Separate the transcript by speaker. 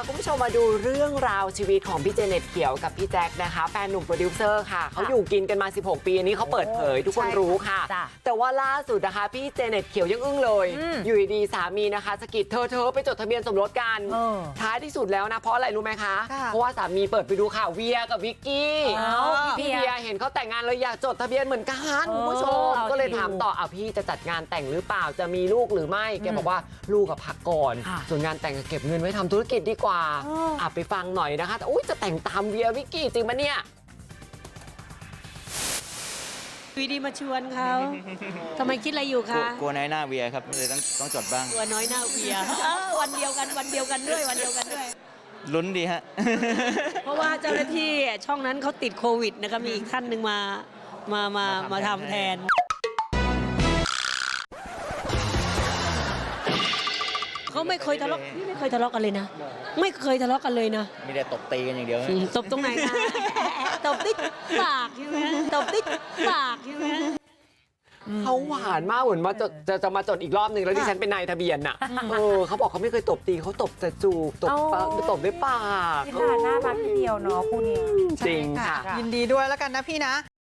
Speaker 1: คุณผู้ชมมาดูเรื่องราวชีวิตของพี่เจเน็ตเขียวกับพี่แจ็คนะคะแฟนหนุ่มโปรดิวเซอร์ค่ะเขาอยู่กินกันมา16 ปีอันนี้เขาเปิดเผยทุกคนรู้ค่ะแต่ว่าล่าสุดนะคะพี่เจเน็ตเขียวยังอึ้งเลยอยู่ดีๆสามีนะคะสะกิดเธอไปจดทะเบียนสมรสกันท้ายที่สุดแล้วนะเพราะอะไรรู้ไหมคะเพราะว่าสามีเปิดไปดูข่าวเวียกับวิกกี้พี่เวียเห็นเขาแต่งงานเลยอยากจดทะเบียนเหมือนกันคุณผู้ชมก็เลยถามต่อพี่จะจัดงานแต่งหรือเปล่าจะมีลูกหรือไม่แกบอกว่าลูกกับพักก่อนส่วนงานแต่งเก็บเงินไว้ทำธุรกิจดีกว่าไปฟังหน่อยนะคะแต่จะแต่งตามเวียวิกกี้จริงปะเนี่ย
Speaker 2: วีดีมาชวนเขาทำไมคิดอะไรอยู่คะ
Speaker 3: กลัวน้อยหน้าเวียครับเลยต้องจดบ้าง
Speaker 2: กลัวน้อยหน้าเวียวันเดียวกันด้วย
Speaker 3: ลุ้นดีฮะ
Speaker 2: เพราะว่าเจ้าหน้าที่ช่องนั้นเขาติดโควิดนะคะมีอีกท่านหนึ่งมาทำแทนเขาไม่เคยทะเลาะนี่ไม่เคยทะเลาะกันเลยนะไม่เคยทะเลาะกันเลยนะ
Speaker 3: มีแต่ตบตีกันอย่างเดียว
Speaker 2: ตบตรงไหนคะตบติ๊กปากใช่ไหมตบติ๊กปากใช่ไหม
Speaker 1: เขาหวานมากเหมือนมาจะมาจดอีกรอบนึงแล้วดิฉันเป็นนายทะเบียนน่ะเขาบอกเขาไม่เคยตบตีเขาตบแต่จูบตบด้วยปาก
Speaker 4: น่ารักทีเดียวเนาะคู่นี้
Speaker 1: จริงค่ะ
Speaker 4: ยินดีด้วยแล้วกันนะพี่นะ